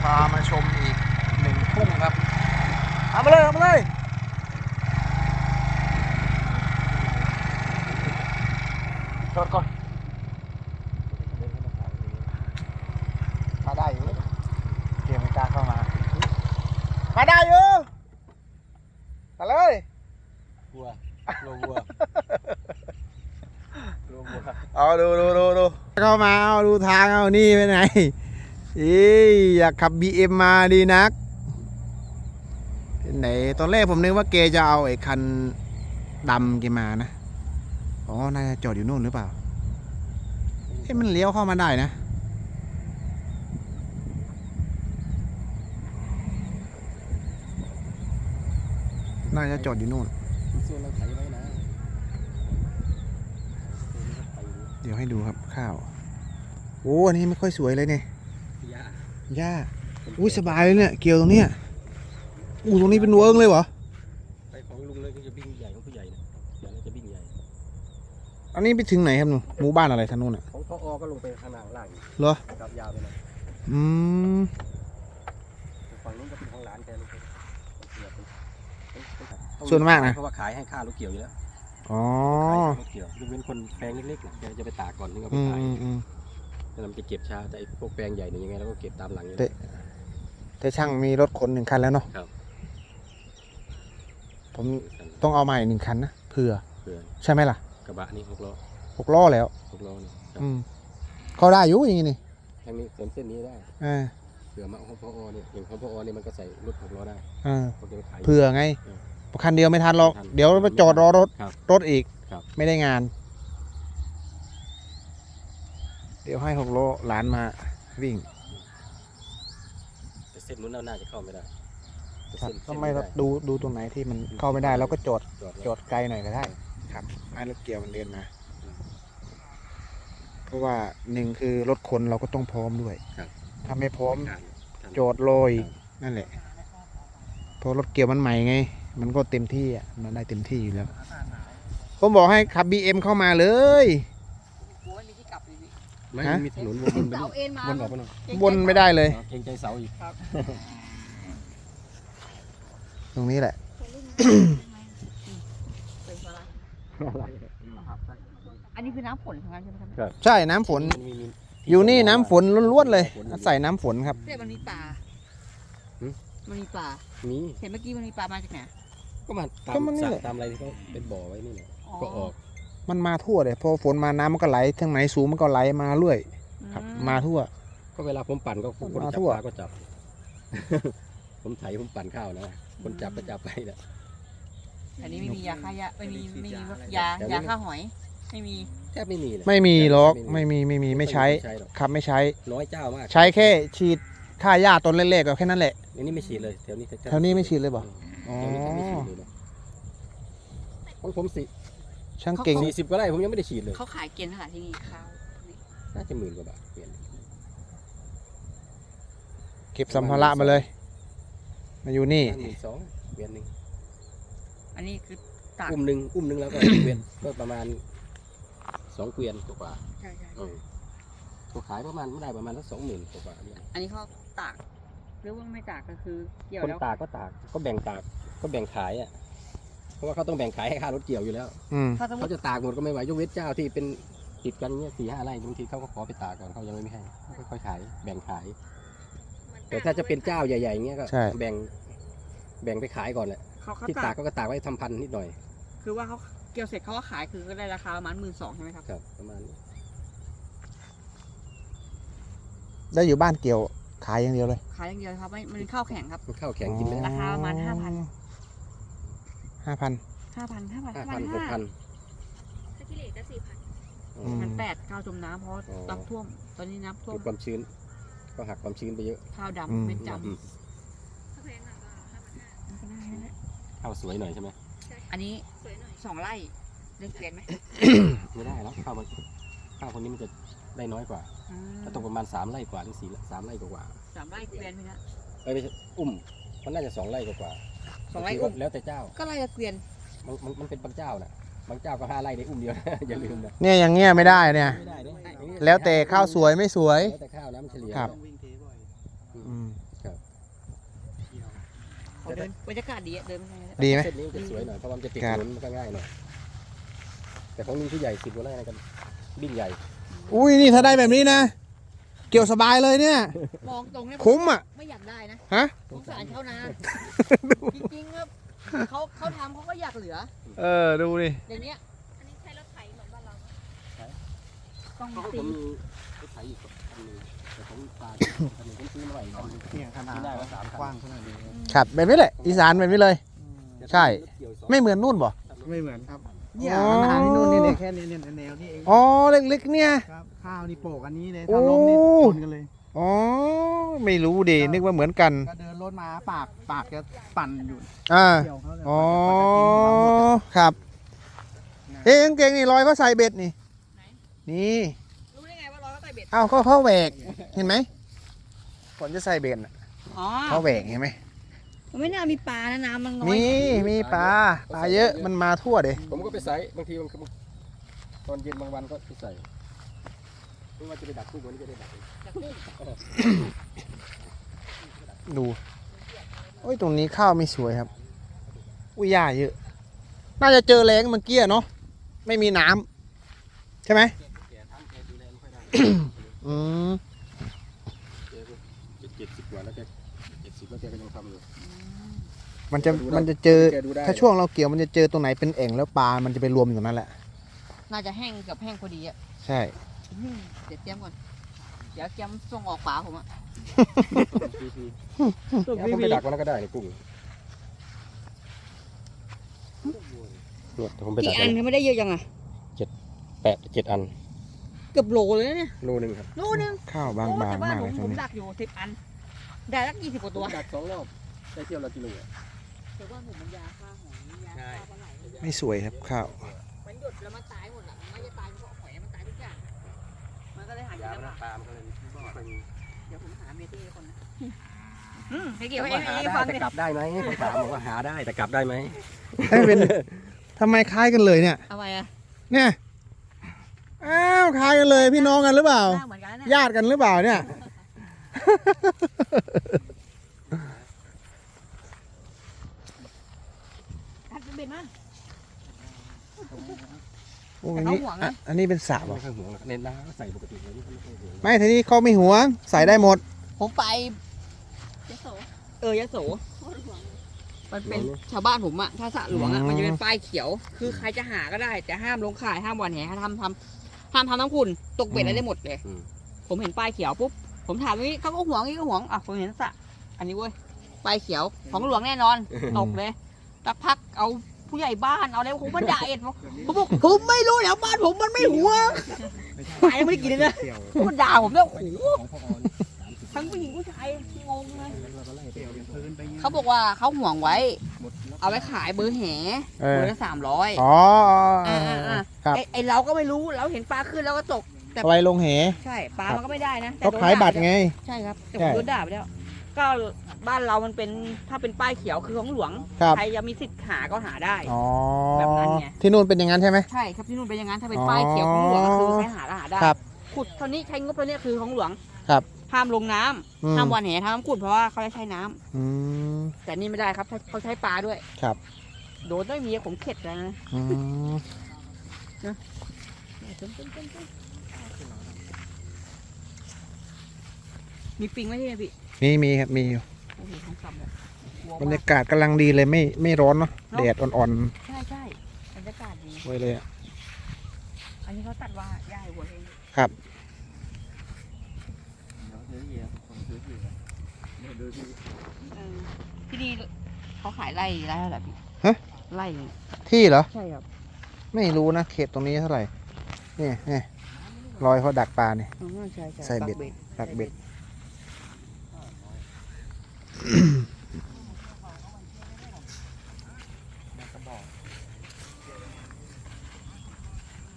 ามาชมอีก1 ทุ่งครับเอามาเลยเอามาเลยจอดก่อนมาได้อยู่เกมไม่กล้าเข้ามาได้อยู่มาเลยวัวโลวัวเอาดูเข้ามาเอาดูทางเอานี่ไปไหนอยากขับ BM มาดีนักไหนตอนแรกผมนึกว่าเกจะเอาไอ้คันดำเกมานะอ๋อน่าจะจอดอยู่นู่นหรือเปล่ามันเลี้ยวเข้ามาได้นะน่าจะจอดอยู่นู่นเดี๋ยวให้ดูครับข้าวโอ้อันนี้ไม่ค่อยสวยเลยเนี่ยหญ้าอุ้ยสบายเลยเนี่ยเกี่ยวตรงเนี้ยตรงนี้เป็นเวิร์กเลยเหรอไปของลุงเลยก็จะบิ้งใหญ่ของผู้ใหญ่นะเดี๋ยวจะบิ้งใหญ่อันนี้ไปถึงไหนครับหนูหมู่บ้านอะไรทางนู้นอ่ะของพอก็ลงไปข้างล่างเหรอกับยาวไปเลยฝั่งนู้นก็เป็นของหลานแกลูกส่วนมากนะเพราะว่าขายให้ค่ารถเกี่ยวอยู่แล้วอ๋อรถเกี่ยวยกเว้นคนแปลงเล็กๆแกจะไปตากก่อนถึงเอาไปขายแล้วมันจะเก็บช้าแต่พวกแปลงใหญ่เนี่ยยังไงเราก็เก็บตามหลังอยู่แต่ช่างมีรถขน1 คันแล้วเนาะผมต้องเอาใหม่1 คันนะเผื่อใช่ไหมล่ะกระบะนี่6 ล้อ 6 ล้อแล้ว 6 ล้อนี่เขาได้อยู่อย่างนี้นี่ทางนี้เส้นนี้ได้เผื่อมาของพอเนี่ยอย่างของพอเนี่ยมันก็ใส่รถ6 ล้อได้เผื่อไงคันเดียวไม่ทันหรอกเดี๋ยวไปจอดรอรถอีกไม่ได้งานเดี๋ยวให้6 ล้อหลานมาวิ่งแต่เส้นนู้นน่าจะเข้าไม่ได้ทำไมเราดูตรงไหนที่มันเข้าไม่ได้เราก็จอดไกลหน่อยก็ได้ครับให้รถเกี่ยวมันเดินมาเพราะว่า1คือรถขนเราก็ต้องพร้อมด้วยถ้าไม่พร้อมจอดลอยนั่นแหละพอรถเกี่ยวมันใหม่ไงมันก็เต็มที่อ่ะมันได้เต็มที่อยู่แล้วผมบอกให้ขับ BM เข้ามาเลยไม่มีถนนวนออกไปหน่อยวนไม่ได้เลยเกรงใจเสาอีกตรงนี้แหละอันนี้คือน้ำฝนของมันใช่ไหมครับใช่น้ำฝนอยู่นี่น้ำฝนล้วนๆเลยใส่น้ำฝนครับเนี่ยมันมีปลามันมีปลาเห็นเมื่อกี้มันมีปลามาจากไหนก็มาตามอะไรที่เขาเป็นบ่อไว้นี่แหละก็ออกมันมาทั่วเลยพอฝนมาน้ำมันก็ไหลทางไหนสูงมันก็ไหลมาเรื่อยครับมาทั่วก็เวลาผมปั่นก็คนจับปลาก็จับผมไถผมปั่นข้าวนะคนจับก็จับไปแหละอันนี้ไม่มียาฆ่าหญ้าไม่มียาฆ่าหอยไม่มีแทบไม่มีเลยไม่มีหรอกไม่มีไม่ใช้ครับไม่ใช้น้อยเจ้ามากใช้แค่ฉีดฆ่าหญ้าต้นเล็กๆก็แค่นั้นแหละอันนี้ไม่ฉีดเลยแถวนี้ไม่ฉีดเลยบ่อ๋อของผมช่างเก่ง 40 ก็ได้ผมยังไม่ได้ฉีดเลยเขาขายเกณฑ์เท่าไหร่ที่นี่ข้าวน่าจะ10,000 กว่าบาทเปลี่ยนเก็บสัมภาระมาเลยมาอยู่นี่ 2เปลี่ยน1 อันนี้คือตากอุ้มหนึ่งแล้วก็เกวียนก็ประมาณ2 เกวียนกว่าใช่ตัวขายประมาณไม่ได้ประมาณสัก20,000 กว่าอันนี้เขาตากหรือว่าไม่ตากก็คือเกี่ยวแล้วคนตากก็แบ่งตากก็แบ่งขายอ่ะเพราะว่าเขาต้องแบ่งขายให้ค่ารถเกี่ยวอยู่แล้วเขาจะตากหมดก็ไม่ไหวยกเว้นเจ้าที่เป็นติดกันเงี้ย4-5 ไร่บางทีเขาก็ขอไปตากก่อนเขายังไม่ให้ค่อยๆขายแบ่งขายแต่ถ้าจะเป็นเจ้าใหญ่ๆเงี้ยก็แบ่งไปขายก่อนแหละที่ตากก็ตากไว้ทำพันนิดหน่อยคือว่าเขาเกี่ยวเสร็จเขาก็ขายคือก็ได้ราคาประมาณ12,000ใช่ไหมครับครับประมาณได้อยู่บ้านเกี่ยวขายอย่างเดียวเลยขายอย่างเดียวครับมันข้าวแข็งครับข้าวแข็งกินได้ราคาประมาณ5,000 6,000 ถ้ากิเลสก็4,000มัน8,000จมน้ำเพราะน้ำท่วมตอนนี้น้ำท่วมความชื้นก็หักความชื้นไปเยอะข้าวดำเป็นจำข้าวสวยหน่อยใช่ไหมอันนี้2 ไร่เล่นเกวียนไหมไม่ได้แล้วข้าวคนนี้มันจะได้น้อยกว่ามันต้องประมาณ3 ไร่กว่าถึง3 ไร่กว่า 3 ไร่เกวียนไหมครับไม่ใช่มันน่าจะ2 ไร่กว่า 2 ไร่แล้วแต่เจ้าก็ไร่ละเกวียนมันเป็นบางเจ้าน่ะบางเจ้าก็5 ไร่ในเดียวอย่าลืมนะเนี่ยอย่างเงี้ยไม่ได้เนี่ยแล้วแต่ข้าวสวยไม่สวยแล้วแต่ข้าวนะมันเฉลี่ยครับเขาเดินบรรยากาศดีอะเดินไปไหนดีไหมเส้นนี้มันจะสวยหน่อยเพราะว่ามันจะติดถนนมันก็ง่ายหน่อยแต่ของนี้ที่ใหญ่10 กว่าไร่นะกันบิ่งใหญ่อุ้ยนี่ถ้าได้แบบนี้นะ เกี่ยวสบายเลยเนี่ยมองตรงเนี่ยคุ้มอ่ะไม่อยากได้นะฮะสงสารชาวนาจริงๆครับเขาทำเขาก็อยากเหลือดูดิอย่างเนี้ยอันนี้ใช้รถไถเหมือนบ้านเราต้องเพราะตีผมมีรถไถอีกคันหนึงแต่ผมตาคันหนึงผมซื้อมาใหม่คันหนึ่งเนี่ยขนาดได้มา3 คันกว้างขนาดนี้ครับแบบนี้แหละ อีสานแบบนี้เลย ใช่รถเกี่ยวสองไม่เหมือนนู่นบ่ไม่เหมือนครับเนี่ยอ๋อขนาดที่นู่นนี่เนี่ยแค่นี้เนี่ยแนวนี่เองอ๋อ เล็กๆเนี่ยครับข้าวนี่โปกอันนี้เลยโอ้ถ้าล้มนี่ชนกันเลยอ๋อ ไม่รู้ดินึกว่าเหมือนกันก็เดินรถมาปากจะปั่นอยู่อ่าเกี่ยวเขาเลยอ๋อกว่าจะกินของเราหมดอะครับ เอ๊ะกางเกงนี่รอยเขาใส่เบ็ดนี่ นี่รู้ได้ไงว่าร้อยก็ใส่เบ็ดเอ้าเขาแหวก เห็นไหมฝนจะใส่เบ็ดน่ะอ๋อเขาแหวกเห็นไหมมันไม่น่ามีปลานะน้ำมันน้อยมีปลาเยอะ มันมาทั่วเด้ผมก็ไปใส่บางทีมันตอนเย็นบางวันก็ไปใส่ไม่ว่าจะไปดักกุ้งวันนี้ก็ได้ดักดู โอ้ย ตรงนี้ข้าวไม่สวยครับ อุ้ยหญ้าเยอะ น่าจะเจอแรงเมื่อกี้เนาะ ไม่มีน้ำใช่ไหมแกทำแกดูแลไม่ค่อยได้อืมแกก็70 กว่าแล้วแก70แล้วแกก็ยังทำอยู่มันจะเจอแกดูได้ถ้าช่วงเราเกี่ยวมันจะเจอตรงไหนเป็นแอ่งแล้วปลา มันจะไปรวมอยู่ตรงนั้นแหละน่าจะแห้งกับแห้งพอดีอ่ะใช่เดี๋ยวเตรียมก่อนเดี๋ยวเตรียมส่งออกป่าผมอ่ะแล้วผมไปดักวันนั้นก็ได้นี่กุ้งผมไปดักี่กอันเขาไม่ได้เยอะจังอ่ะ 7 อันเกือบโลเลยนะเนี่ยโลนึงครับโลนึงข้าวบางโอ้แต่ๆบ้ามาน กผเลยมตรผงมนี้ดักอยู่10 อัน ได้สัก20 กว่าตัวผมดัก2 รอบได้เที่ยวละกิโลอะแต่ว่าผมมันยาฆ่าหอยยาฆ่าปลาไหลไม่สวยครับข้าวมันหยุดแล้วมันตายหมดอ่ะมันไม่จะตายเพราะหอยมันตายทุกอย่าง มันก็เลยหากิยาน มันลำบากปลามันก็เลยไม่ค่อยมีเดี๋ยวผมหาเมตี้คนนะให้เกี่ยวผมให้ว่าหาให้ได้ฟังแต่ดิกลับได้ไหมผมถามบอกว่าหาได้แต่กลับได้ไหมเอ้ยเป็นทำไมคล้ายกันเลยเนี่ยเอาไปอ่ะเนี่ย อ้าวคล้ายกันเลยพี่น้องกันหรือเปล่าหน้าเหมือนกันนะเนี่ยญาติกันหรือเปล่าเนี่ยกัดเป็นเบ็ดมาโอ้อันนี้แต่เขาห่วงนะอันนี้เป็นสระไม่ป่ะค่อยห่วงหรอกเน้นน้ำใส่ปกติเลยไม่ค่อยห่วงไม่ทีนี้เขาไม่หวงใส่ได้หมดผมไปยโสยโสมันเป็นชาวบ้านผมอะถ้าสระหลวงอะอืมมันจะเป็นป้ายเขียว คือใครจะหาก็ได้ แต่ห้ามลงข่ายห้ามหวานแหห้ามทำน้ำขุ่นตกเบ็ดอะไรได้หมดเลย ผมเห็นป้ายเขียวปุ๊บผมถามว่าเขาก็ห่วงนี่ก็ห่วงอ่ะผมเห็นสระอันนี้เว้ยป้ายเขียวของหลวงแน่นอนตกเลยสักพักเอาผู้ใหญ่บ้านเอาอะไรผมมาด่าเอ็ดผมบอกผมไม่รู้แถวบ้านผมมันไม่ห่วงปลายังไม่ได้กินเลยนะเกี่ยวมันด่าผมเนี่ยโอ้โหของพ่อออนทั้งผู้หญิงผู้ชายงงเลยเราก็ไล่ไปเกี่ยวเอาเป็นพื้นไปงี้ยเขาบอกว่าเขาห่วงไว้หมดแล้วเอาไว้ขายเบอร์แหเอเบออร์ละ300 อ๋อ ครับไอเราก็ไม่รู้เราเห็นปลาขึ้นแล้วก็ตก แต่เอาไว้ลงเหใช่ปลามันก็ไม่ได้นะแต่เขาโดนขายด่บัตรไงใช่ครับแต่ใช่ผมโดนด่าไปแล้ว ก็บ้านเรามันเป็นถ้าเป็นป้ายเขียวคือของหลวงครับใครจะมีสิทธิ์หาก็หาได้อ๋อแบบนั้นไงที่นู่นเป็นอย่างนั้นใช่ไหมใช่ครับที่นู่นเป็นอย่างนั้นถ้าเป็นป้ายเขียวของหลวงก็คือใครหาก็หาได้ครับขุดเท่านี้ใช้งบเท่านี้คือของหลวงครับห้ามลงน้ำอืมห้ามหวานแหห้ามขุดเพราะว่าเขาจะใช้น้ำอืมแต่นี่ไม่ได้ครับเขาใช้ปลาด้วยครับโดนด้วยเมียผมเข็ดแล้วนะอืมมีปิงไหมที่นี่พี่มีครับมีอยู่โอ้โหทั้งคำเลยกลัวบรรมากยากาศกำลังดีเลยไม่ร้อนเนาะแดดอ่อนใช่ใช่บรรยากาศดีๆไว้เลยอะอันนี้เขาตัดว่าย่าให้วัวเองครับเออที่นี่เขาขายไร่เท่าไหร่พี่ฮะไร่ที่เหรอใช่ครับไม่รู้นะเขตตรงนี้เท่าไหร่นี่รอยเขาดักปลาเนี่ยอ๋อใช่ใช่ใส่เบ็ดปักดักเบ็ด